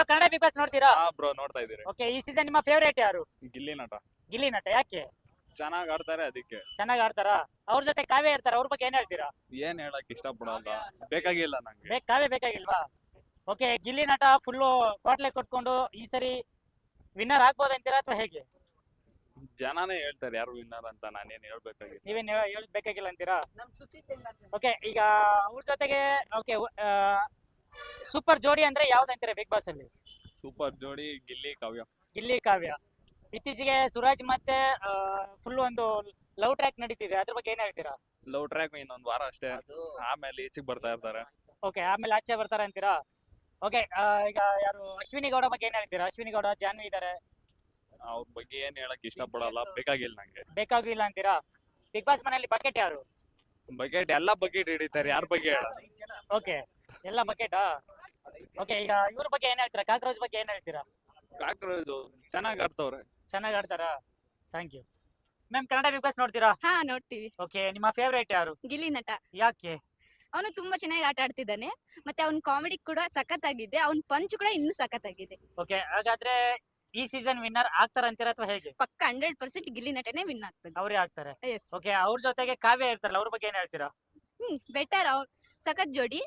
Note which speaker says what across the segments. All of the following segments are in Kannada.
Speaker 1: ಕನ್ನಡ ಬಿಗ್ ಬಾಸ್ ನೋಡ್ತೀರಾ?
Speaker 2: ಬ್ರೋ ನೋಡ್ತಾ ಇದೀರಿ.
Speaker 1: ಓಕೆ, ಈ ಸೀಸನ್ ನಿಮ್ಮ ಫೇವರೇಟ್ ಯಾರು?
Speaker 2: ಗಿಲ್ಲಿ ನಟ
Speaker 1: ಗಿಲ್ಲಿ ನಟ. ಯಾಕೆ
Speaker 2: ಚೆನ್ನಾಗ್ ಆಡ್ತಾರೆ ಅದಕ್ಕೆ.
Speaker 1: ಚೆನ್ನಾಗಿ ಆಡ್ತಾರಾ? ಅವ್ರ ಜೊತೆ ಕಾವ್ಯ ಇರ್ತಾರ, ಅವ್ರ ಬಗ್ಗೆ ಏನ್ ಹೇಳ್ತೀರಾ?
Speaker 2: ಏನ್ ಹೇಳಕ್ ಇಷ್ಟಪಡಲ್ಲ, ಬೇಕಾಗಿಲ್ಲ ನಂಗೆ.
Speaker 1: ಕಾವ್ಯ ಬೇಕಾಗಿಲ್ವಾ? ಓಕೆ, ಗಿಲ್ಲಿ ನಟ ಫುಲ್ಲು ಕ್ವಾಟ್ಲೆ ಕೊಟ್ಕೊಂಡು ಈ ಸರಿ ವಿನ್ನರ್ ಆಗ್ಬೋದಂತೀರಾ ಅಥವಾ ಹೇಗೆ?
Speaker 2: ಜನನೇ ಹೇಳ್ತಾರೆ ಯಾರು ವಿನ್ನರ್ ಅಂತ, ನಾನೇನ್ ಹೇಳ್ಬೇಕಾಗಿಲ್ಲ.
Speaker 1: ನೀವೇನ್ ಹೇಳೋದ್ ಬೇಕಾಗಿಲ್ಲ ಅಂತೀರಾ? ಓಕೆ, ಈಗ ಅವ್ರ ಜೊತೆಗೆ ಓಕೆ ಸೂಪರ್ ಜೋಡಿ ಅಂದ್ರೆ ಯಾವ್ದಂತೀರಾ ಬಿಗ್ ಬಾಸ್ ಅಲ್ಲಿ?
Speaker 2: ಸೂಪರ್ ಜೋಡಿ ಗಿಲ್ಲಿ ಕಾವ್ಯ.
Speaker 1: ಗಿಲ್ಲಿ ಕಾವ್ಯ. ಇತ್ತೀಚೆಗೆ ಸುರಾಜ್ ಮತ್ತೆ ಫುಲ್ ಒಂದು ಲವ್ ಟ್ರ್ಯಾಕ್ ನಡೀತಿದೆ, ಅದ್ರ ಬಗ್ಗೆ ಏನ್ ಹೇಳ್ತೀರಾ?
Speaker 2: ಲವ್ ಟ್ರ್ಯಾಕ್ ಇನ್ನೊಂದ್ ವಾರ ಅಷ್ಟೇ, ಆಮೇಲೆ ಈಚೆಗೆ ಬರ್ತಾ ಇರ್ತಾರೆ.
Speaker 1: ಓಕೆ, ಆಮೇಲೆ ಆಚೆ ಬರ್ತಾರ ಅಂತೀರಾ? ಓಕೆ, ಈಗ ಯಾರು ಅಶ್ವಿನಿ ಗೌಡ ಬಗ್ಗೆ ಏನ್ ಹೇಳ್ತೀರಾ? ಅಶ್ವಿನಿ ಗೌಡ, ಜಾನ್ವಿ ಇದಾರೆ,
Speaker 2: ಅವ್ರ ಬಗ್ಗೆ ಏನ್ ಹೇಳಕ್ ಇಷ್ಟಪಡಲ್ಲ, ಬೇಕಾಗಿಲ್ಲ ನಂಗೆ.
Speaker 1: ಬೇಕಾಗಿಲ್ಲ ಅಂತೀರಾ? ಬಿಗ್ ಬಾಸ್ ಮನೆಯಲ್ಲಿ ಬಕೆಟ್ ಯಾರು?
Speaker 2: ಬಕೆಟ್ ಎಲ್ಲಾ ಬಕೆಟ್ ಹಿಡಿತಾರೆ, ಯಾರ ಬಗ್ಗೆ ಹೇಳ.
Speaker 1: ಓಕೆ, ಎಲ್ಲ ಬಕೆಟಾ? ಓಕೆ, ಈಗ ಇವ್ರ ಬಗ್ಗೆ ಏನ್ ಹೇಳ್ತೀರಾ? ಕಾಕ್ರೋಚ್ ಬಗ್ಗೆ ಏನ್ ಹೇಳ್ತೀರಾ?
Speaker 2: ಕಾಕ್ರೋಚ್ ಚೆನ್ನಾಗ್ ಆಡ್ತವ್ರೆ.
Speaker 1: ಚೆನ್ನಾಗಿ ಆಡ್ತಾರಾ? Thank you ma'am. Kannada Bigg Boss ನೋಡ್ತೀರಾ?
Speaker 3: ಹಾ, ನೋಡ್ತೀವಿ.
Speaker 1: ಓಕೆ, ನಿಮ್ಮ ಫೇವರೇಟ್ ಯಾರು?
Speaker 3: ಗಿಲ್ಲಿ ನಟ.
Speaker 1: ಯಾಕೆ?
Speaker 3: ಅವನು ತುಂಬಾ ಚೆನ್ನಾಗಿ ಆಟ ಆಡ್ತಿದ್ದಾನೆ, ಮತ್ತೆ ಅವ್ನ ಕಾಮಿಡಿ ಕೂಡ ಸಖತ್ತಾಗಿದೆ, ಅವ್ನ ಪಂಚ್ ಕೂಡ ಇನ್ನೂ ಸಖತ್ತಾಗಿದೆ.
Speaker 1: ಓಕೆ, ಹಾಗಾದ್ರೆ ಈ ಸೀಸನ್ ವಿನ್ನರ್ ಆಗ್ತಾರ ಅಂತೀರಾ ಅಥವಾ ಹೇಗೆ?
Speaker 3: ಪಕ್ಕ 100% ಗಿಲ್ಲಿ ನಟನೆ ವಿನ್ ಆಗ್ತದೆ.
Speaker 1: ಅವರೇ ಆಗ್ತಾರೆ.
Speaker 3: ಎಸ್.
Speaker 1: ಓಕೆ, ಅವ್ರ ಜೊತೆಗೆ ಕಾವ್ಯ ಇರ್ತಾರಲ್ಲ, ಅವ್ರ ಬಗ್ಗೆ ಏನ್ ಹೇಳ್ತೀರಾ?
Speaker 3: ಬೆಟರ್. ಸಖತ್ ಜೋಡಿ.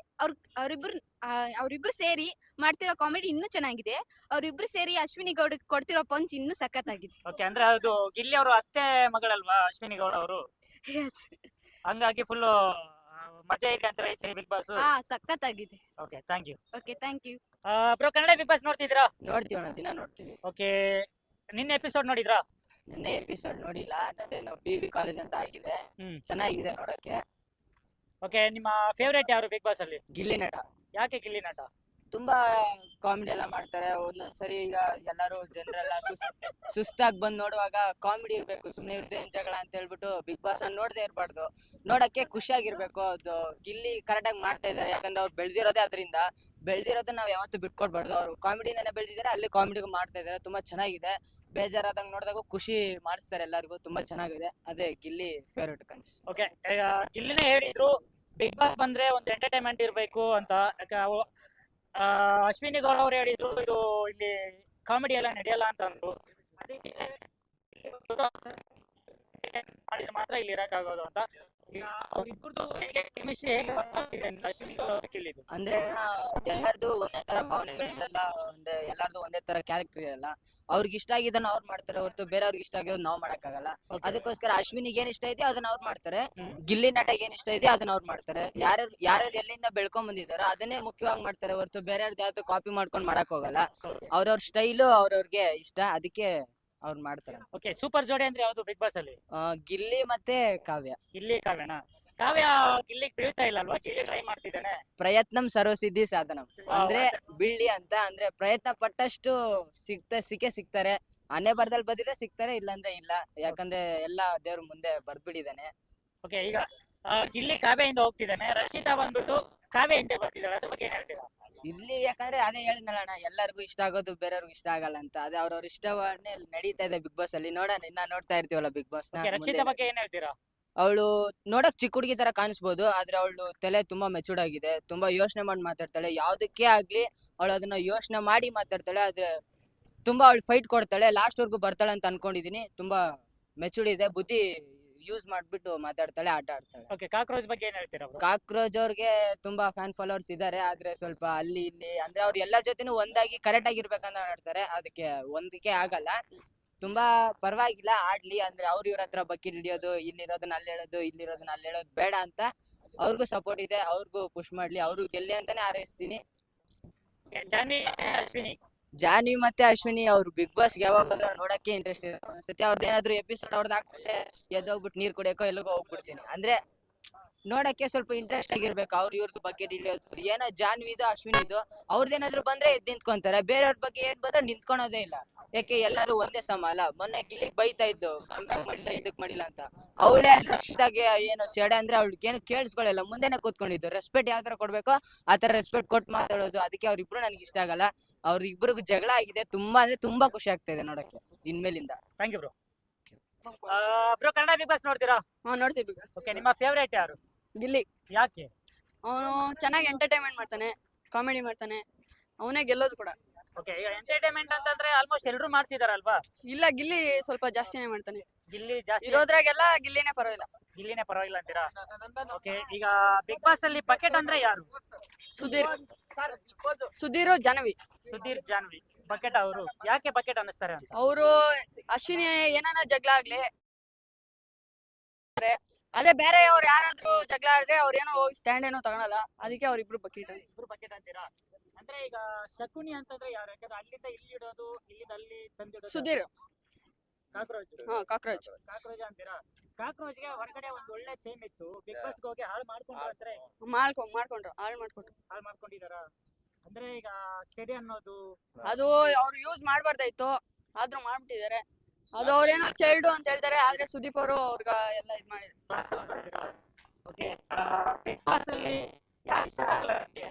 Speaker 3: ಅವ್ರಿಬ್ರು ಸೇರಿ ಮಾಡ್ತಿರೋ ಕಾಮಿಡಿ ಇನ್ನೂ ಚೆನ್ನಾಗಿದೆ. ಅವ್ರಿಬ್ರು ಸೇರಿ ಅಶ್ವಿನಿ ಗೌಡ ಕೊಡ್ತಿರೋ ಪಂಚ್ ಇನ್ನೂ ಸಖತ್ತಾಗಿದೆ.
Speaker 1: ಓಕೆ, ಅಂದ್ರೆ ಅದು ಗಿಲ್ಲಿ ಅವರು ಅತ್ತೆ ಮಗಳಲ್ವಾ ಅಶ್ವಿನಿ ಗೌಡ ಅವರು?
Speaker 3: ಎಸ್.
Speaker 1: ಹಂಗಾಗಿ ಫುಲ್ ಮಜಾ ಇದೆ ಅಂತಾರೆ ಈ ಸರಿ ಬಿಗ್ ಬಾಸ್.
Speaker 3: ಹಾ, ಸಖತ್ತಾಗಿದೆ.
Speaker 1: Okay, thank you.
Speaker 3: Okay, thank you.
Speaker 1: Bro, Kannada Bigg Boss ನೋಡ್ತಿದ್ರಾ?
Speaker 4: ನೋಡ್ತೀವಣ್ಣ, ದಿನ ನೋಡ್ತೀವಿ.
Speaker 1: ಓಕೆ, ನಿನ್ನೆ ಎಪಿಸೋಡ್ ನೋಡಿದ್ರಾ?
Speaker 4: ನಿನ್ನೆ ಎಪಿಸೋಡ್ ನೋಡಿಲ್ಲ, ನನ್ನೇನು PV ಕಾಲೇಜ್ ಅಂತ ಆಗಿದೆ, ಚೆನ್ನಾಗಿದೆ ನೋಡಕ್ಕೆ.
Speaker 1: ಓಕೆ, ನಿಮ್ಮ ಫೇವರೇಟ್ ಯಾರು ಬಿಗ್ ಬಾಸ್ ಅಲ್ಲಿ?
Speaker 4: ಗಿಲ್ಲಿ ನಟ.
Speaker 1: ಯಾಕೆ ಗಿಲ್ಲಿ ನಟ?
Speaker 4: ತುಂಬಾ ಕಾಮಿಡಿ ಎಲ್ಲ ಮಾಡ್ತಾರೆ. ಒಂದೊಂದ್ಸರಿ ಈಗ ಎಲ್ಲಾರು ಜನರೆಲ್ಲ ಸುಸ್ತಾಗಿ ಬಂದ್ ನೋಡುವಾಗ ಕಾಮಿಡಿ ಇರ್ಬೇಕು, ಸುಮ್ನೆ ಇರ್ದೆ ಜಗಳ ಅಂತ ಹೇಳ್ಬಿಟ್ಟು ಬಿಗ್ ಬಾಸ್ ನೋಡದೆ ಇರ್ಬಾರ್ದು, ನೋಡಕ್ಕೆ ಖುಷಿಯಾಗಿರ್ಬೇಕು. ಅದು ಗಿಲ್ಲಿ ಕರೆಕ್ಟ್ ಆಗಿ ಮಾಡ್ತಾ ಇದಾರೆ, ಯಾಕಂದ್ರೆ ಅವ್ರು ಬೆಳ್ದಿರೋದೇ ಅದರಿಂದ. ಬೆಳ್ದಿರೋದನ್ನ ನಾವ್ ಯಾವತ್ತೂ ಬಿಟ್ಕೊಡ್ಬಾರ್ದು. ಅವ್ರು ಕಾಮಿಡಿನೇ ಬೆಳ್ದಿದ್ದಾರೆ, ಅಲ್ಲಿ ಕಾಮಿಡಿಗೂ ಮಾಡ್ತಾ ಇದಾರೆ, ತುಂಬಾ ಚೆನ್ನಾಗಿದೆ. ಬೇಜಾರಾದಂಗ್ ನೋಡಿದಾಗ ಖುಷಿ ಮಾಡಿಸ್ತಾರೆ ಎಲ್ಲರಿಗೂ, ತುಂಬಾ ಚೆನ್ನಾಗಿದೆ. ಅದೇ ಗಿಲ್ಲಿ ಫೇವ್ರೇಟ್ ಕಂಟೆಸ್ಟ್.
Speaker 1: ಓಕೆ, ಗಿಲ್ಲಿನೇ ಹೇಳಿದ್ರು ಬಿಗ್ ಬಾಸ್ ಬಂದ್ರೆ ಒಂದು ಎಂಟರ್ಟೈನ್ಮೆಂಟ್ ಇರ್ಬೇಕು ಅಂತ. ಅಶ್ವಿನಿ ಗೌಡ ಅವ್ರು ಹೇಳಿದ್ರು ಇದು ಇಲ್ಲಿ ಕಾಮಿಡಿ ಎಲ್ಲ ನಡೆಯಲ್ಲ ಅಂತ ಅಂದ್ರು. ಅದಕ್ಕೆ ಮಾಡಿದ್ರೆ ಮಾತ್ರ ಇಲ್ಲಿ ಇರಕ್ಕಾಗೋದು ಅಂತ. ಅವ್ರಿಬ್ರದ್ದು ಕೆಮಿಸ್ಟ್ರಿ ಹೇಗೆ ಅಶ್ವಿನಿ ಗೌಡ ಅವ್ರು ಕೇಳಿದ್ರು.
Speaker 4: ಅಂದ್ರೆ ಎಲ್ಲಾರ್ದು ಒಂದೇ ತರ ಭಾವನೆಗಳಿರಲ್ಲ, ಎಲ್ಲಾರ್ದು ಒಂದೇ ತರ ಕ್ಯಾರೆಕ್ಟರ್ ಇರಲ್ಲ. ಅವ್ರಿಗೆ ಇಷ್ಟ ಆಗಿದ್ದನ್ನ ಅವ್ರು ಮಾಡ್ತಾರೆ ಹೊರತು ಬೇರೆಯವ್ರಿಗೆ ಇಷ್ಟ ಆಗಿರೋದು ನಾವ್ ಮಾಡಕ್ಕಾಗಲ್ಲ. ಅದಕ್ಕೋಸ್ಕರ ಅಶ್ವಿನಿಗೆ ಏನ್ ಇಷ್ಟ ಇದೆಯೋ ಅದನ್ನ ಅವ್ರು ಮಾಡ್ತಾರೆ, ಗಿಲ್ಲಿ ನಟಗೆ ಏನ್ ಇಷ್ಟ ಇದೆಯೋ ಅದನ್ನ ಅವ್ರು ಮಾಡ್ತಾರೆ. ಯಾರ್ಯಾರು ಎಲ್ಲಿಂದ ಬೆಳ್ಕೊಂಡ್ ಬಂದಿದಾರೋ ಅದನ್ನೇ ಮುಖ್ಯವಾಗಿ ಮಾಡ್ತಾರೆ ಹೊರತು ಬೇರೆಯವ್ರದ್ದು ಯಾವ್ದು ಕಾಪಿ ಮಾಡ್ಕೊಂಡ್ ಮಾಡಕ್ ಹೋಗಲ್ಲ. ಅವ್ರವ್ರ ಸ್ಟೈಲು ಅವ್ರವ್ರಿಗೆ ಇಷ್ಟ, ಅದಕ್ಕೆ ಅವ್ರು ಮಾಡ್ತಾರೆ.
Speaker 1: ಓಕೆ, ಸೂಪರ್ ಜೋಡಿ ಅಂದ್ರೆ ಯಾವ್ದು ಬಿಗ್ ಬಾಸ್ ಅಲ್ಲಿ?
Speaker 4: ಗಿಲ್ಲಿ ಮತ್ತೆ ಕಾವ್ಯ.
Speaker 1: ಗಿಲ್ಲಿ ಕಾವ್ಯನಾ? ಕಾವ್ಯ ಗಿಲ್ಲಿಗೆ ಬೀಳ್ತಾ ಇಲ್ಲ ಅಲ್ವಾ? ಗಿಲ್ಲಿ ಟ್ರೈ ಮಾಡ್ತಿದ್ದಾನೆ.
Speaker 4: ಪ್ರಯತ್ನಂ ಸರ್ವಸಿದ್ಧಿ ಸಾಧನಂ ಅಂದ್ರೆ ಬೀಳ್ಲಿ ಅಂತ, ಅಂದ್ರೆ ಪ್ರಯತ್ನ ಪಟ್ಟಷ್ಟು ಸಿಗ್ತಾರೆ. ಹಣೆ ಬರ್ದಲ್ಲಿ ಬದಿದ್ರೆ ಸಿಗ್ತಾರೆ, ಇಲ್ಲಾಂದ್ರೆ ಇಲ್ಲ. ಯಾಕಂದ್ರೆ ಎಲ್ಲಾ ದೇವ್ರ ಮುಂದೆ ಬರ್ದ್ಬಿಟ್ಟಿದ್ದಾನೆ.
Speaker 1: ಓಕೆ, ಈಗ ಗಿಲ್ಲಿ ಕಾವ್ಯದಿಂದ ಹೋಗ್ತಿದ್ದಾನೆ, ರಕ್ಷಿತಾ ಬಂದ್ಬಿಟ್ಟು ಕಾವ್ಯ ಹಿಂದೆ ಬರ್ತಿದ್ದಾಳೆ, ಅದ್ರ ಬಗ್ಗೆ ಏನ್ ಹೇಳ್ತೀರಾ?
Speaker 4: ಇಲ್ಲಿ ಯಾಕಂದ್ರೆ ಅದೇ ಹೇಳಿದ್ನಲ್ಲಣ್ಣ, ಎಲ್ಲರಿಗೂ ಇಷ್ಟ ಆಗೋದು ಬೇರೆಯವ್ರಿಗೂ ಇಷ್ಟ ಆಗಲ್ಲ ಅಂತ. ಅದೇ ಅವ್ರವ್ರ ಇಷ್ಟವನ್ನೇ ನಡೀತಾ ಇದೆ ಬಿಗ್ ಬಾಸ್ ಅಲ್ಲಿ. ನೋಡೋಣ, ಇನ್ನ ನೋಡ್ತಾ ಇರ್ತೀವಲ್ಲ ಬಿಗ್ ಬಾಸ್ ನ.
Speaker 1: ರಕ್ಷಿತಾ ಬಗ್ಗೆ ಏನ್ ಹೇಳ್ತೀರಾ?
Speaker 4: ಅವಳು ನೋಡಕ್ ಚಿಕ್ಕ ಹುಡುಗಿ ತರ ಕಾಣಿಸ್ಬೋದು, ಆದ್ರೆ ಅವಳು ತಲೆ ತುಂಬಾ ಮೆಚೂರ್ಡ್ ಆಗಿದೆ. ತುಂಬಾ ಯೋಚನೆ ಮಾಡಿ ಮಾತಾಡ್ತಾಳೆ, ಯಾವ್ದಕ್ಕೆ ಆಗ್ಲಿ ಅವಳು ಅದನ್ನ ಯೋಚನೆ ಮಾಡಿ ಮಾತಾಡ್ತಾಳೆ. ಆದ್ರೆ ತುಂಬಾ ಅವಳು ಫೈಟ್ ಕೊಡ್ತಾಳೆ, ಲಾಸ್ಟ್ ವರ್ಗು ಬರ್ತಾಳೆ ಅಂತ ಅನ್ಕೊಂಡಿದೀನಿ. ತುಂಬಾ ಮೆಚೂರ್ಡ್ ಇದೆ, ಬುದ್ಧಿ ಯೂಸ್ ಮಾಡ್ಬಿಟ್ಟು ಮಾತಾಡ್ತಾಳೆ, ಆಟ ಆಡ್ತಾಳೆ.
Speaker 1: ಓಕೆ, ಕಾಕ್ರೋಚ್ ಬಗ್ಗೆ ಏನ್ ಹೇಳ್ತೀರಾ?
Speaker 4: ಕಾಕ್ರೋಚ್ ಅವ್ರಿಗೆ ತುಂಬಾ ಫ್ಯಾನ್ ಫಾಲೋವರ್ಸ್ ಇದಾರೆ, ಆದ್ರೆ ಸ್ವಲ್ಪ ಅಲ್ಲಿ ಇಲ್ಲಿ ಅಂದ್ರೆ ಅವ್ರು ಎಲ್ಲರ ಜೊತೆನೂ ಒಂದಾಗಿ ಕರೆಕ್ಟ್ ಆಗಿರ್ಬೇಕಂತ ಆಡ್ತಾರೆ, ಅದಕ್ಕೆ ಹೊಂದಿಕೆ ಆಗಲ್ಲ. ತುಂಬಾ ಪರವಾಗಿಲ್ಲ, ಆಡ್ಲಿ. ಅಂದ್ರೆ ಅವ್ರ ಇವ್ರ ಹತ್ರ ಬಕೆಟ್ ಹಿಡಿಯೋದು, ಇಲ್ಲಿರೋದನ್ನ ಅಲ್ಲಿ ಹೇಳೋದು, ಇಲ್ಲಿರೋದನ್ನ ಅಲ್ಲಿ ಹೇಳೋದು ಬೇಡ ಅಂತ. ಅವ್ರಿಗೂ ಸಪೋರ್ಟ್ ಇದೆ, ಅವ್ರಿಗೂ ಪುಷ್ ಮಾಡ್ಲಿ, ಅವ್ರು ಗೆಲ್ಲಿ ಅಂತಾನೆ ಹಾರೈಸ್ತೀನಿ. ಜಾನ್ವಿ ಮತ್ತೆ ಅಶ್ವಿನಿ ಅವ್ರು ಬಿಗ್ ಬಾಸ್ ಯಾವಾಗ ನೋಡಕ್ಕೆ ಇಂಟ್ರೆಸ್ಟ್ ಇದೆ. ಒಂದ್ಸತಿ ಅವ್ರದ್ದು ಏನಾದ್ರು ಎಪಿಸೋಡ್ ಅವ್ರದ್ದು ಹಾಕ್ಬಿಟ್ಟೆ ಎದ್ದೋಗ್ಬಿಟ್ಟು ನೀರ್ ಕುಡಿಯಕೋ ಎಲ್ಲಿಗೋ ಹೋಗ್ಬಿಡ್ತೀನಿ. ಅಂದ್ರೆ ನೋಡಕ್ಕೆ ಸ್ವಲ್ಪ ಇಂಟ್ರೆಸ್ಟ್ ಆಗಿರ್ಬೇಕು. ಅವ್ರು ಇವ್ರದ್ದು ಬಕೆಟ್ ಹಿಡಿಯೋದು ಏನೋ ಜಾನ್ವಿದು ಅಶ್ವಿನಿದು ಅವ್ರದ್ದೇನಾದ್ರು ಬಂದ್ರೆ ಎದ್ದು ನಿಂತ್ಕೊಂತಾರೆ, ಬೇರೆಯವ್ರ ಬಗ್ಗೆ ಏನ್ ಬಂದ್ರೆ ನಿಂತ್ಕೊಳೋದೇ ಇಲ್ಲ. ಯಾಕೆ ಎಲ್ಲರೂ ಒಂದೇ ಸಮ ಅಲ್ಲ. ಮೊನ್ನೆ ಗಿಲ್ಲಿಗ್ ಬೈತಾ ಇದ್ದು ಕಂಬ್ಯಾಕ್ ಮಾಡಿಲ್ಲ ಇದಕ್ ಮಾಡಿಲ್ಲ ಅಂತ. ಅವಳೇ ರಕ್ಷಿತಾಗೆ ಏನು ಸೆಡೆ ಅಂದ್ರೆ ಅವಳಿಗೆ ಏನು ಕೇಳಿಸ್ಕೊಳ್ಳಲ್ಲ, ಮುಂದೆನೆ ಕೂತ್ಕೊಂಡಿದ್ದು. ರೆಸ್ಪೆಕ್ಟ್ ಯಾವ ತರ ಕೊಡ್ಬೇಕೋ ಆ ತರ ರೆಸ್ಪೆಕ್ಟ್ ಕೊಟ್ಟು ಮಾತಾಡೋದು. ಅದಕ್ಕೆ ಅವ್ರಿಬ್ರು ನನಗೆ ಇಷ್ಟ ಆಗಲ್ಲ. ಅವ್ರಿಬ್ರಿಗೂ ಜಗಳ ಆಗಿದೆ, ತುಂಬಾ ಅಂದ್ರೆ ತುಂಬಾ ಖುಷಿ ಆಗ್ತಾ ಇದೆ ನೋಡಕ್ಕೆ ಇನ್ಮೇಲಿಂದ.
Speaker 1: Thank you bro. Bro, Kannada Bigg Boss ನೋಡ್ತೀರಾ?
Speaker 3: ನೋಡ್ತೀವಿ.
Speaker 1: ಓಕೆ, ನಿಮ್ಮ ಫೇವರೇಟ್ ಯಾರು?
Speaker 3: ಗಿಲ್ಲಿ.
Speaker 1: ಯಾಕೆ?
Speaker 3: ಅವನು ಚೆನ್ನಾಗಿ ಎಂಟರ್ಟೈನ್ಮೆಂಟ್ ಮಾಡ್ತಾನೆ, ಕಾಮಿಡಿ ಮಾಡ್ತಾನೆ, ಅವನೇ ಗೆಲ್ಲೋದು ಕೂಡ.
Speaker 1: ಓಕೆ, ಈಗ ಎಂಟರ್ಟೈನ್ಮೆಂಟ್ ಅಂತಂದ್ರೆ ಆಲ್ಮೋಸ್ಟ್ ಎಲ್ಲರೂ ಮಾಡ್ತಿದಾರಲ್ವಾ?
Speaker 5: ಇಲ್ಲ ಗಿಲ್ಲಿ ಸ್ವಲ್ಪ ಜಾಸ್ತಿನೇ ಮಾಡ್ತಾನೆ.
Speaker 1: ಗಿಲ್ಲಿ ಜಾಸ್ತಿ
Speaker 5: ಇರೋದ್ರಾಗೆಲ್ಲ ಗಿಲ್ಲಿನೇ ಪರವಾಗಿಲ್ಲ.
Speaker 1: ಗಿಲ್ಲಿನೇ ಪರವಾಗಿಲ್ಲ ಅಂತೀರಾ? ಓಕೆ, ಈಗ ಬಿಗ್ ಬಾಸ್ ಅಲ್ಲಿ ಬಕೆಟ್ ಅಂದ್ರೆ ಯಾರು?
Speaker 5: ಸುಧೀರ್ ಜಾಹ್ನವಿ.
Speaker 1: ಸುಧೀರ್ ಜಾನ್ವಿ ಬಕೆಟ್ ಅವರು. ಯಾಕೆ ಬಕೆಟ್ ಅನ್ನಿಸ್ತಾರೆ ಅಂತ?
Speaker 5: ಅವರು ಅಶ್ವಿನಿ ಏನಾನ ಜಗಳ ಆಗ್ಲಿ, ಅದೇ ಬೇರೆ ಅವ್ರು ಯಾರಾದ್ರೂ ಜಗಳ ಆಡಿದ್ರೆ ಅವ್ರೇನೋ ಹೋಗಿ ಸ್ಟ್ಯಾಂಡ್ ಏನೋ ತಗೊಳಲ್ಲ, ಅದಕ್ಕೆ ಅವ್ರಿಬ್ರು ಬಕೆಟ್.
Speaker 1: ಇಬ್ರು ಬಕೆಟ್ ಅಂತೀರಾ? ಅಂದ್ರೆ ಈಗ ಶಕುನಿ ಅಂತಂದ್ರೆ ಯಾರು? ಯಾಕಂದ್ರೆ ಅಲ್ಲಿಂದ ಇಲ್ಲಿ ಇಡೋದು, ಇಲ್ಲಿಂದ ಅಲ್ಲಿ ತಂದಿಡೋದು.
Speaker 5: ಸುಧೀರ್.
Speaker 1: ಕಾಕ್ರೋಚ್.
Speaker 5: ಕಾಕ್ರೋಚ್.
Speaker 1: ಕಾಕ್ರೋಚ್ ಅಂತೀರಾ? ಕಾಕ್ರೋಚ್ಗೆ ಹೊರಗಡೆ ಒಂದು ಒಳ್ಳೆ ಫೇಮ್ ಇತ್ತು, ಬಿಗ್ ಬಾಸ್ ಹೋಗಿ ಹಾಳು ಮಾಡ್ಕೊಂಡು ಅಂದ್ರೆ
Speaker 5: ಮಾಡ್ಕೊಂಡ್ರು ಹಾಳು
Speaker 1: ಹಾಳು ಮಾಡ್ಕೊಂಡಿದಾರ. ಅಂದ್ರೆ ಈಗ ಸೆಡಿ ಅನ್ನೋದು
Speaker 5: ಅದು ಅವ್ರು ಯೂಸ್ ಮಾಡ್ಬಾರ್ದಾಯ್ತು, ಆದ್ರೂ ಮಾಡ್ಬಿಟ್ಟಿದ್ದಾರೆ. ಅದು ಅವ್ರೇನೋ ಚೈಲ್ಡ್ ಅಂತ ಹೇಳ್ತಾರೆ, ಆದ್ರೆ ಸುದೀಪ್ ಅವರು ಅವ್ರಿಗ ಎಲ್ಲ ಇದ್ ಮಾಡಿದ್ರು.
Speaker 1: ಓಕೆ, ಬಿಗ್ ಬಾಸ್ ಅಲ್ಲಿ ಯಾರು ಇಷ್ಟ ಆಗಲ್ಲ ನಿಮ್ಗೆ?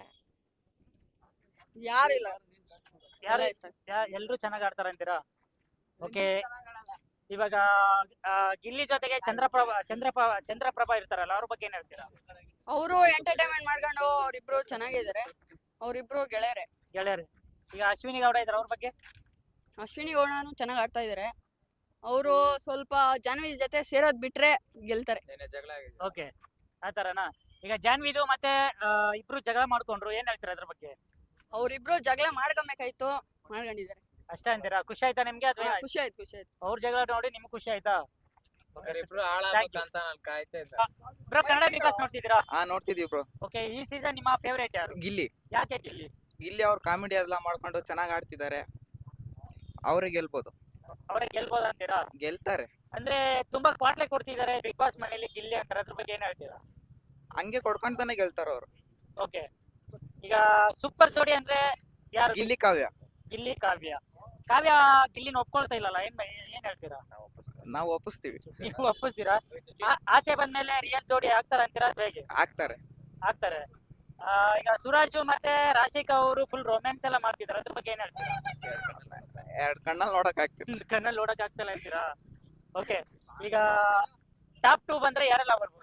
Speaker 5: ಯಾರಿಲ್ಲ,
Speaker 1: ಯಾರು
Speaker 5: ಇಷ್ಟ.
Speaker 1: ಎಲ್ರು ಚೆನ್ನಾಗ್ ಆಡ್ತಾರ ಅಂತೀರಾ? ಓಕೆ, ಇವಾಗ ಗಿಲ್ಲಿ ಜೊತೆಗೆ ಚಂದ್ರಪ್ರಭಾ ಇರ್ತಾರಲ್ಲ, ಅವ್ರ ಬಗ್ಗೆ ಏನ್ ಹೇಳ್ತೀರಾ?
Speaker 5: ಅವರು ಎಂಟರ್ಟೈನ್ಮೆಂಟ್ ಮಾಡ್ಕೊಂಡು ಅವ್ರಿಬ್ರು ಚೆನ್ನಾಗಿದ್ದಾರೆ, ಅವ್ರಿಬ್ರು ಗೆಳೆಯರೆ.
Speaker 1: ಗೆಳೆಯರು. ಈಗ ಅಶ್ವಿನಿ ಗೌಡ ಇದಾರೆ, ಅವ್ರ ಬಗ್ಗೆ?
Speaker 5: ಅಶ್ವಿನಿ ಗೌಡನು ಚೆನ್ನಾಗ್ ಆಡ್ತಾ ಇದಾರೆ. ಅವರು ಸ್ವಲ್ಪ ಜಾಹ್ನವಿ ಜೊತೆ ಸೇರೋದ್ ಬಿಟ್ರೆ ಗೆಲ್ತಾರೆ.
Speaker 1: ಓಕೆ, ಆತರನಾ? ಈಗ ಜಾನ್ವಿದು ಮತ್ತೆ ಇಬ್ರು ಜಗಳ ಮಾಡ್ಕೊಂಡ್ರು, ಏನ್ ಹೇಳ್ತೀರಾ ಅದ್ರ ಬಗ್ಗೆ?
Speaker 5: ಅವ್ರಿಬ್ರು ಜಗಳ ಮಾಡ್ಕೊಬೇಕಾಯ್ತು, ಮಾಡ್ಕೊಂಡಿದ್ದಾರೆ.
Speaker 1: ಅಷ್ಟೇ ಅಂತೀರಾ? ಖುಷಿ ಆಯ್ತಾ ನಿಮ್ಗೆ ಅಥವಾ
Speaker 5: ಖುಷಿ ಆಯ್ತು.
Speaker 1: ಅವ್ರ ಜಗಳ ನೋಡಿ ನಿಮ್ಗೆ ಖುಷಿ ಆಯ್ತಾ?
Speaker 2: ಇಬ್ರು ಹಾಳಾಗ್ಬೇಕಂತ ನಾನ್ ಕಾಯ್ತಾ ಇದ್ದೆ.
Speaker 1: ಬ್ರೋ, ಕನ್ನಡ ಬಿಗ್ ಬಾಸ್ ನೋಡ್ತಿದ್ದೀರಾ?
Speaker 6: ನೋಡ್ತಿದೀವಿ ಬ್ರೋ.
Speaker 1: ಓಕೆ, ಈ ಸೀಸನ್ ನಿಮ್ಮ ಫೇವರೇಟ್ ಯಾರು?
Speaker 6: ಗಿಲ್ಲಿ.
Speaker 1: ಯಾಕೆ ಗಿಲ್ಲಿ?
Speaker 6: ಗಿಲ್ಲಿ ಅವ್ರ ಕಾಮಿಡಿ ಎಲ್ಲ ಮಾಡ್ಕೊಂಡು ಚೆನ್ನಾಗಿ ಆಡ್ತಿದ್ದಾರೆ, ಅವ್ರಿಗೆ ಗೆಲ್ಬೋದು.
Speaker 1: ಅವ್ರಿಗೆ ಗೆಲ್ಬೋದು ಅಂತೀರಾ?
Speaker 6: ಗೆಲ್ತಾರೆ.
Speaker 1: ಅಂದ್ರೆ ತುಂಬಾ ಕ್ವಾಟ್ಲೆ ಕೊಡ್ತಿದ್ದಾರೆ ಬಿಗ್ ಬಾಸ್ ಮನೆಯಲ್ಲಿ ಗಿಲ್ಲಿ ಅಂತಾರೆ, ಅದ್ರ ಬಗ್ಗೆ ಏನ್ ಹೇಳ್ತೀರಾ?
Speaker 6: ಹಂಗೆ ಕೊಡ್ಕೊಂತಾನೆ ಗೆಲ್ತಾರ ಅವ್ರು.
Speaker 1: ಓಕೆ, ಈಗ ಸೂಪರ್ ಜೋಡಿ ಅಂದ್ರೆ ಯಾರು?
Speaker 6: ಗಿಲ್ಲಿ ಕಾವ್ಯ.
Speaker 1: ಗಿಲ್ಲಿ ಕಾವ್ಯ. ಕಾವ್ಯ ಗಿಲ್ಲಿನ ಒಪ್ಕೊಳ್ತಾ ಇಲ್ಲಲ್ಲ, ಏನ್ ಹೇಳ್ತೀರಾ?
Speaker 6: ನಾವು ಒಪ್ಪಿಸ್ತೀವಿ.
Speaker 1: ನೀವು ಒಪ್ಪಿಸ್ತೀರಾ? ಆಚೆ ಬಂದ್ಮೇಲೆ ರಿಯಲ್ ಜೋಡಿ ಆಗ್ತಾರ ಅಂತೀರಾ ಅಥವಾ ಹೇಗೆ?
Speaker 6: ಆಗ್ತಾರೆ.
Speaker 1: ಆಗ್ತಾರೆ. ಈಗ ಸುರಾಜು ಮತ್ತೆ ರಾಶಿಕಾ ಅವರು ಫುಲ್ ರೊಮ್ಯಾನ್ಸ್ ಎಲ್ಲ ಮಾಡ್ತಿದಾರೆ, ಅದ್ರ ಬಗ್ಗೆ ಏನ್ ಹೇಳ್ತೀರಾ?
Speaker 6: ಎರಡ್ ಕಣ್ಣಲ್ಲಿ ನೋಡಕ್ ಆಗ್ತಿಲ್ಲ.
Speaker 1: ಕಣ್ಣಲ್ಲಿ ನೋಡಕ್ ಆಗ್ತಿಲ್ಲ ಅಂತೀರಾ? ಓಕೆ, ಈಗ ಟಾಪ್ 2 ಬಂದ್ರೆ ಯಾರೆಲ್ಲ ಬರ್ಬೋದು?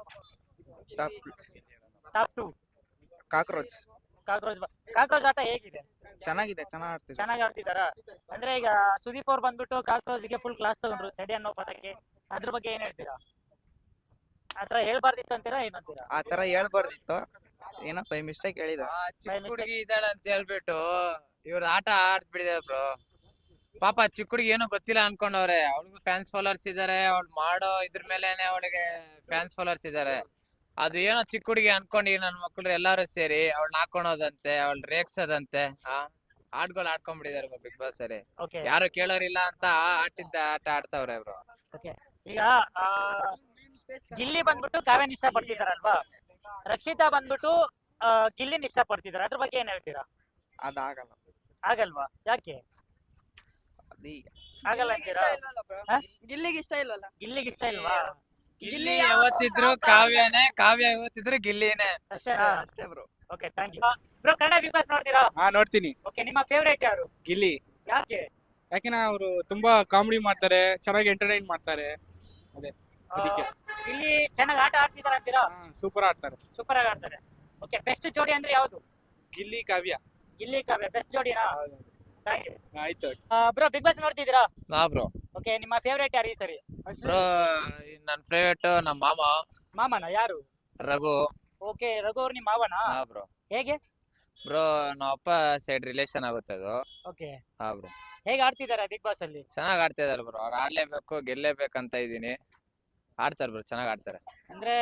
Speaker 1: Top 2
Speaker 6: cockroach.
Speaker 1: ಕಾಕ್ರೋಚ್ ಆಟ ಹೇಗಿದೆ?
Speaker 6: ಚೆನ್ನಾಗಿದೆ, ಚೆನ್ನಾಗಿ
Speaker 1: ಚೆನ್ನಾಗಿ ಆಡ್ತಿದಾರಾ? ಅಂದ್ರೆ ಈಗ ಸುದೀಪ್ ಅವ್ರು ಬಂದ್ಬಿಟ್ಟು ಕಾಕ್ರೋಚ್ಗೆ ಫುಲ್ ಕ್ಲಾಸ್ ತಗೊಂಡ್ರು ಸೆಡಿ ಅನ್ನೋ ಪದಕ್ಕೆ, ಅದ್ರ ಬಗ್ಗೆ ಏನ್ ಹೇಳ್ತೀರಾ? ಆತರ ಹೇಳ್ಬಾರ್ದಿತ್ತು ಅಂತೀರಾ ಏನಂತೀರಾ?
Speaker 6: ಆ ತರ ಹೇಳ್ಬಾರ್ದಿತ್ತು, ಏನೋ ಬೈ ಮಿಸ್ಟೇಕ್ ಹೇಳಿದ.
Speaker 2: ಚಿಕ್ಕ ಹುಡುಗಿ ಇದ್ದಾಳೆ ಅಂತ ಹೇಳ್ಬಿಟ್ಟು ಇವ್ರ ಆಟ ಆಡ್ಬಿಟ್ಟಿದೆ ಬ್ರೋ. ಪಾಪ ಚಿಕ್ಕ ಹುಡುಗಿ ಏನೋ ಗೊತ್ತಿಲ್ಲ ಅನ್ಕೊಂಡವ್ರೆ, ಅವಳಿಗೂ ಫ್ಯಾನ್ಸ್ ಫಾಲೋವರ್ಸ್ ಇದಾರೆ, ಅವ್ಳು ಮಾಡೋ ಇದ್ರ ಮೇಲೆನೆ ಅವಳಿಗೆ ಫ್ಯಾನ್ಸ್ ಫಾಲೋವರ್ಸ್ ಇದಾರೆ. ಅದು ಏನೋ ಚಿಕ್ಕ ಹುಡುಗಿ ಅನ್ಕೊಂಡು ನನ್ ಮಕ್ಳು ಎಲ್ಲಾರು ಸೇರಿ ಅವಳನ್ನ ಹಾಕೊಳೋದಂತೆ, ಅವಳು ರೇಗ್ಸೋದಂತೆ, ಆಟಗಳು ಆಡ್ಕೊಂಡ್ಬಿಟ್ಟಿದಾರೆ ಬಿಗ್ ಬಾಸ್ ಅಲ್ಲಿ.
Speaker 1: ಓಕೆ,
Speaker 2: ಯಾರು ಕೇಳೋರಿಲ್ಲ ಅಂತ ಆಟ ಆಡ್ತಾವ್ರೆ ಬ್ರೋ.
Speaker 1: ಈಗ ಗಿಲ್ಲಿ ಬಂದ್ಬಿಟ್ಟು ಕಾವ್ಯನ ಇಷ್ಟ ಪಡ್ತಿದಾರಲ್ವಾ, ರಕ್ಷಿತಾ ಬಂದ್ಬಿಟ್ಟು ಗಿಲ್ಲಿನ ಇಷ್ಟ ಪಡ್ತಿದಾರೆ, ಅದ್ರ ಬಗ್ಗೆ ಏನ್ ಹೇಳ್ತೀರಾ?
Speaker 6: ಅದಾಗಲ್ಲ.
Speaker 1: ಆಗಲ್ವಾ? ಯಾಕೆ
Speaker 6: ಅದೀಗ
Speaker 1: ಆಗಲ್ಲ ಅಂತೀರಾ?
Speaker 5: ಗಿಲ್ಲಿಗೆ ಇಷ್ಟ ಇಲ್ವಲ್ಲ.
Speaker 1: ಗಿಲ್ಲಿಗೆ ಇಷ್ಟ ಇಲ್ವಾ?
Speaker 2: ಗಿಲ್ಲಿ ಯಾವತ್ತಿದ್ರು ಕಾವ್ಯನೇ, ಕಾವ್ಯ ಯಾವತ್ತಿದ್ರು ಗಿಲ್ಲಿನೇ.
Speaker 1: ಅಷ್ಟೇನಾ?
Speaker 6: ಅಷ್ಟೇ bro.
Speaker 1: Okay, thank you. Bro, Kannada Bigg Boss ನೋಡ್ತೀರಾ?
Speaker 7: ನೋಡ್ತೀನಿ.
Speaker 1: ಓಕೆ, ನಿಮ್ಮ ಫೇವರೇಟ್ ಯಾರು?
Speaker 7: ಗಿಲ್ಲಿ.
Speaker 1: ಯಾಕೆ?
Speaker 7: ಯಾಕೆಂದ್ರೆ ಅವರು ತುಂಬಾ ಕಾಮಿಡಿ ಮಾಡ್ತಾರೆ, ಚೆನ್ನಾಗಿ ಎಂಟರ್ಟೈನ್ ಮಾಡ್ತಾರೆ, ಅದೇ ಅದಕ್ಕೆ.
Speaker 1: ಇಲ್ಲಿ ಚೆನ್ನಾಗಿ ಆಟ ಆಡ್ತಿದಾರ ಅಂತೀರಾ?
Speaker 7: ಸೂಪರ್ ಆಡ್ತಾರೆ.
Speaker 1: ಸೂಪರ್ ಆಗಿ ಆಡ್ತಾರೆ. ಓಕೆ, ಬೆಸ್ಟ್ ಜೋಡಿ ಅಂದ್ರೆ ಯಾವುದು?
Speaker 7: ಗಿಲ್ಲಿ ಕಾವ್ಯ.
Speaker 1: ಗಿಲ್ಲಿ ಕಾವ್ಯ ಬೆಸ್ಟ್ ಜೋಡಿನಾ?
Speaker 7: ಆಯ್ತು.
Speaker 1: ಬ್ರೋ, ಬಿಗ್ ಬಾಸ್ ನೋಡ್ತಿದ್ದೀರಾ?
Speaker 2: ಬ್ರೋ.
Speaker 1: ಓಕೆ, ನಿಮ್ಮ ಫೇವರೇಟ್ ಯಾರು ಈ ಸರಿ?
Speaker 2: ಬ್ರೋ, ನನ್ ಫೇವರೇಟ್ ನಮ್ಮ
Speaker 1: ಮಾಮನ ಯಾರು?
Speaker 2: ರಘು.
Speaker 1: ಓಕೆ, ರಘು ಅವ್ರು ನಿಮ್ಮ ಮಾವನ?
Speaker 2: ಬ್ರೋ.
Speaker 1: ಹೇಗೆ
Speaker 2: ಬ್ರೋ, ನಮ್ಮ ಅಪ್ಪ ಸೈಡ್ ರಿಲೇಷನ್ ಆಗುತ್ತೆ ಅದು.
Speaker 1: Okay,
Speaker 2: bro.
Speaker 1: ಹೇಗೆ ಆಡ್ತಿದ್ದಾರೆ ಬಿಗ್ ಬಾಸ್ ಅಲ್ಲಿ?
Speaker 2: ಚೆನ್ನಾಗ್ ಆಡ್ತಾ ಇದಾರೆ ಬ್ರೋ, ಅವ್ರು ಆಡ್ಲೇಬೇಕು, ಗೆಲ್ಲೇಬೇಕಂತ ಇದೀನಿ. ಆಡ್ತಾರೆ ಬ್ರೋ, ಚೆನ್ನಾಗ್ ಆಡ್ತಾರೆ.
Speaker 1: ಅಂದ್ರೆ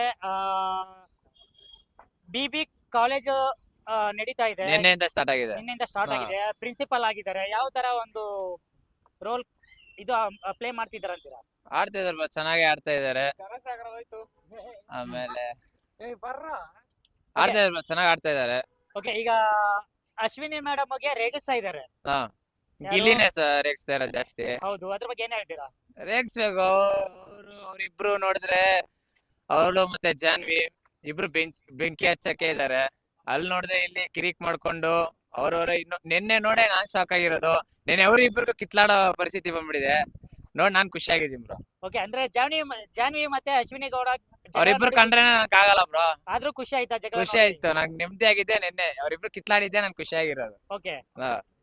Speaker 1: BB ಕಾಲೇಜ್ ನಡೀತಾ ಇದೆ,
Speaker 2: ನಿನ್ನೆಯಿಂದ ಸ್ಟಾರ್ಟ್ ಆಗಿದೆ.
Speaker 1: ನಿನ್ನೆಯಿಂದ ಸ್ಟಾರ್ಟ್ ಆಗಿದೆ. ಪ್ರಿನ್ಸಿಪಲ್ ಆಗಿದ್ದಾರೆ, ಯಾವ ತರ ಒಂದು ರೋಲ್ ಇದು ಪ್ಲೇ ಮಾಡ್ತಿದಾರೆ ಅಂತೀರಾ?
Speaker 2: ಆಡ್ತಾ ಇದಾರೆ ಬ್ರೋ, ಚೆನ್ನಾಗಿ ಆಡ್ತಾ ಇದಾರೆ. ಆಮೇಲೆ ಆಡ್ತಾ ಇದಾರೆ ಬ್ರೋ, ಚೆನ್ನಾಗ್ ಆಡ್ತಾ ಇದಾರೆ.
Speaker 1: ಓಕೆ, ಈಗ ಅಶ್ವಿನಿ ಮೇಡಮ್ ಗೆ ರೇಗಿಸ್ತಾ ಇದಾರೆ.
Speaker 2: ಗಿಲ್ಲಿನೇ ರೇಗಿಸ್ತಾ ಇರೋದು ಜಾಸ್ತಿ.
Speaker 1: ಹೌದು, ಅದ್ರ ಬಗ್ಗೆ ಏನ್ ಹೇಳ್ತೀರಾ?
Speaker 2: ರೇಗಿಸ್ಬೇಕು. ಅವ್ರಿಬ್ರು ನೋಡಿದ್ರೆ, ಅವಳು ಮತ್ತೆ ಜಾನ್ವಿ ಇಬ್ರು ಬೆಂಕಿ ಹಚ್ಚಕ್ಕೆ ಇದಾರೆ. ಅಲ್ಲಿ ನೋಡಿದ್ರೆ ಇಲ್ಲಿ ಕಿರಿಕ್ ಮಾಡ್ಕೊಂಡು ಅವ್ರವ್ರ ನಿನ್ನೆ ನೋಡೇ ನಾನ್ ಶಾಕ್ ಆಗಿರೋದು. ನೆನ್ನೆ ಅವ್ರ ಇಬ್ರಿಗೂ ಕಿತ್ಲಾಡೋ ಪರಿಸ್ಥಿತಿ ಬಂದ್ಬಿಟ್ಟಿದೆ. ನೋಡ್ ನಾನ್ ಖುಷಿ ಆಗಿದ್ದೀನಿ ಬ್ರೋ.
Speaker 1: ಓಕೆ, ಅಂದ್ರೆ ಜಾನ್ವಿ ಮತ್ತೆ ಅಶ್ವಿನಿ ಗೌಡ
Speaker 2: ಅವ್ರಿಬ್ರು ಕಂಡ್ರೆ ನನಗೆ ಆಗಲ್ಲ ಬ್ರೋ.
Speaker 1: ಆದ್ರೂ ಖುಷಿ ಆಯ್ತಾ ಜಗಳ?
Speaker 2: ಖುಷಿ ಆಯ್ತು, ನಂಗೆ ನೆಮ್ಮದಿ ಆಗಿದ್ದೆ. ನಿನ್ನೆ ಅವ್ರಿಬ್ರು ಕಿತ್ಲಾಡಿದ್ದೆ ನನ್ ಖುಷಿ ಆಗಿರೋದು.
Speaker 1: ಓಕೆ,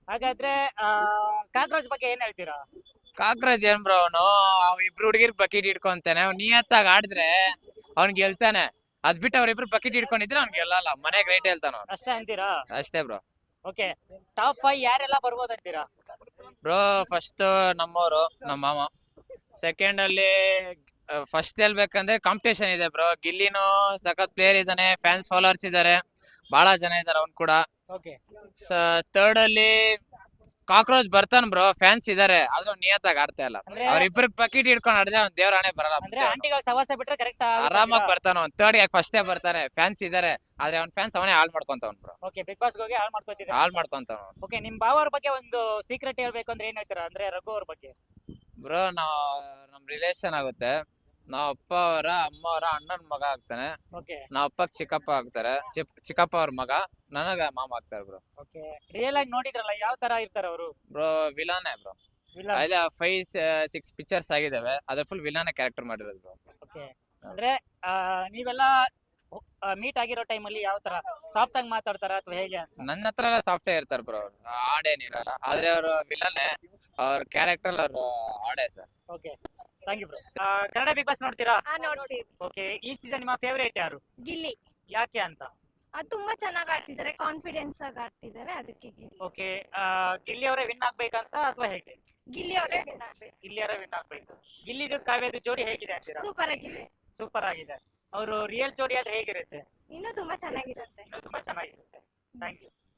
Speaker 1: ಹಾಗಾದ್ರೆ ಕಾಕ್ರೋಚ್ ಬಗ್ಗೆ ಏನ್ ಹೇಳ್ತೀರಾ?
Speaker 2: ಕಾಕ್ರೋಚ್ ಏನ್ ಬ್ರೋ ಅವ್ ಇಬ್ರು ಹುಡುಗಿರ್ ಬಕೆಟ್ ಹಿಡ್ಕೊಂತಾನೆ, ಅವ್ನ್ ನಿಯತ್ತಾಗಿ ಆಡಿದ್ರೆ ಅವ್ನ್ ಗೆಲ್ತಾನೆ. ಅದ್ ಬಿಟ್ಟು ಅವ್ರಿಬ್ರು ಬಕೆಟ್ ಹಿಡ್ಕೊಂಡಿದ್ರೆ ಅವ್ನ್ ಗೆಲ್ಲಲ್ಲ. ಮನೆ ಗ್ರೇಟ್ ಹೇಳ್ತಾನ ಅವ್ನು.
Speaker 1: ಅಷ್ಟೇ ಅಂತೀರಾ?
Speaker 2: ಅಷ್ಟೇ ಬ್ರೋ.
Speaker 1: ಓಕೆ, ಟಾಪ್ 5 ಯಾರೆಲ್ಲ ಬರ್ಬೋದು ಅಂತೀರಾ?
Speaker 2: ಬ್ರೋ ಫಸ್ಟ್ ನಮ್ಮವರು, ನಮ್ಮ ಮಾಮ. ಸೆಕೆಂಡ್ ಅಲ್ಲಿ ಫಸ್ಟ್ ಹೇಳ್ಬೇಕಂದ್ರೆ ಕಾಂಪಿಟೇಷನ್ ಇದೆ ಬ್ರೋ. ಗಿಲ್ಲಿನೂ ಸಖತ್ ಪ್ಲೇಯರ್ ಇದಾನೆ, ಫ್ಯಾನ್ಸ್ ಫಾಲೋವರ್ಸ್ ಇದಾರೆ, ಬಹಳ ಜನ ಇದಾರೆ ಅವ್ನ್ ಕೂಡ.
Speaker 1: ಓಕೆ,
Speaker 2: ಥರ್ಡ್ ಅಲ್ಲಿ ಕಾಕ್ರೋಚ್ ಬರ್ತಾನ ಬ್ರೋ, ಫ್ಯಾನ್ಸ್ ಇದಾರೆ, ಆದ್ರೂ ನಿಯತ್ತಾಗಿ ಆಡ್ತಾ ಇಲ್ಲ.
Speaker 1: ಅಂದ್ರೆ
Speaker 2: ಅವ್ರಿಬ್ರು ಬಕೆಟ್ ಹಿಡ್ಕೊಂಡು ಆಡಿದ್ರೆ ಅವ್ನ್ ದೇವ್ರ ಹಣೆ ಬರಲ್ಲ.
Speaker 1: ಅಂದ್ರೆ ಆಂಟಿಗಳ ಸವಾಸ ಬಿಟ್ರೆ ಕರೆಕ್ಟ್
Speaker 2: ಆರಾಮಾಗಿ ಬರ್ತಾನ ಅವ್ನ್. ಥರ್ಡ್ ಯಾಕೆ ಫಸ್ಟೇ ಬರ್ತಾನೆ, ಫ್ಯಾನ್ಸ್ ಇದಾರೆ, ಆದ್ರೆ ಅವ್ನ್ ಫ್ಯಾನ್ಸ್ ಅವನೇ ಹಾಳ್ ಮಾಡ್ಕೊಂತವ್ನ್ ಬ್ರೋ.
Speaker 1: ಓಕೆ, ಬಿಗ್ ಬಾಸ್ ಹೋಗಿ ಹಾಳು ಮಾಡ್ಕೊತಿದ್ದಾರೆ.
Speaker 2: ಹಾಳ್ ಮಾಡ್ಕೊಂತವ್ನು
Speaker 1: ಓಕೆ, ನಿಮ್ ಭಾವ ಅವ್ರ ಬಗ್ಗೆ ಒಂದು ಸೀಕ್ರೆಟ್ ಹೇಳ್ಬೇಕು ಅಂದ್ರೆ ಏನ್ ಹೇಳ್ತೀರಾ? ಅಂದ್ರೆ ರಘು ಅವ್ರ ಬಗ್ಗೆ.
Speaker 2: ಬ್ರೋ. ನಮ್ ರಿಲೇಷನ್ ಆಗುತ್ತೆ. ನಾವ್ ಅಪ್ಪ ಅವರ ಅಮ್ಮ ಅವರ ಅಣ್ಣನ್ ಮಗ ಆಗ್ತಾನೆ.
Speaker 1: ಓಕೆ
Speaker 2: ನಾವ್ ಅಪ್ಪಗ್ ಚಿಕ್ಕಪ್ಪ ಆಗ್ತಾರೆ, ಚಿಕ್ಕಪ್ಪ ಅವ್ರ ಮಗ, ನನಗ ಮಾಮ ಆಗ್ತಾರೆ ಬ್ರೋ.
Speaker 1: ಓಕೆ, ರಿಯಲ್ ಆಗಿ ನೋಡಿದ್ರಲ್ಲ ಯಾವ ತರ ಇರ್ತಾರೆ ಅವರು?
Speaker 2: ಬ್ರೋ ವಿಲಾನೇ ಬ್ರೋ. ಅಲ್ಲಿ 5-6 ಪಿಕ್ಚರ್ಸ್ ಆಗಿದಾವೆ, ಅದ್ರ ಫುಲ್ ವಿಲಾನೇ ಕ್ಯಾರೆಕ್ಟರ್ ಮಾಡಿರೋದು ಬ್ರೋ.
Speaker 1: ಓಕೆ, ಅಂದ್ರೆ ನೀವೆಲ್ಲ ಮೀಟ್ ಆಗಿರೋ ಟೈಮಲ್ಲಿ ಯಾವ ತರ ಸಾಫ್ಟ್ ಆಗಿ ಮಾತಾಡ್ತಾರ ಅಥವಾ ಹೇಗೆ ಅಂತ?
Speaker 2: ನನ್ನ ಹತ್ರ ಎಲ್ಲ ಸಾಫ್ಟೇ ಇರ್ತಾರೆ ಬ್ರೋ, ಆಡೇನಿರಲ್ಲ. ಆದ್ರೆ ಅವ್ರ ವಿಲನ್ನೇ, ಅವ್ರ ಕ್ಯಾರೆಕ್ಟರ್ ಅವ್ರ ಆಡೇ sir.
Speaker 1: Okay, thank you bro. Kannada Bigg Boss ನೋಡ್ತೀರಾ?
Speaker 3: ನೋಡ್ತೀವಿ.
Speaker 1: ಓಕೆ, ಈ ಸೀಸನ್ ನಿಮ್ಮ ಫೇವರೇಟ್ ಯಾರು,
Speaker 3: ಗಿಲ್ಲಿ
Speaker 1: ಯಾಕೆ ಅಂತ?
Speaker 3: ತುಂಬಾ ಚೆನ್ನಾಗಿ ಆಡ್ತಿದ್ದಾರೆ, ಕಾನ್ಫಿಡೆನ್ಸ್ ಆಗಿ ಆಡ್ತಿದ್ದಾರೆ, ಅದಕ್ಕೆ
Speaker 1: ಓಕೆ, ಗಿಲ್ಲಿ ಅವರೇ ವಿನ್ ಆಗ್ಬೇಕಂತ ಅಥವಾ ಹೇಗೆ?
Speaker 3: ಗಿಲ್ಲಿ ಅವರೇ ವಿನ್ ಆಗ್ಬೇಕು.
Speaker 1: ಗಿಲ್ಲಿ ಅವರೇ ವಿನ್ ಆಗ್ಬೇಕು. ಗಿಲ್ಲಿದು ಕಾವ್ಯದ ಜೋಡಿ ಹೇಗಿದೆ ಅಂತೀರಾ?
Speaker 3: ಸೂಪರ್ ಆಗಿದೆ,
Speaker 1: ಸೂಪರ್ ಆಗಿದೆ. ಅವರು ರಿಯಲ್ ಜೋಡಿ ಆದ್ರೆ ಹೇಗಿರುತ್ತೆ?
Speaker 3: ಇನ್ನೂ ತುಂಬಾ ಚೆನ್ನಾಗಿರುತ್ತೆ.
Speaker 1: ಇನ್ನೂ ತುಂಬಾ ಚೆನ್ನಾಗಿರುತ್ತೆ. Thank you.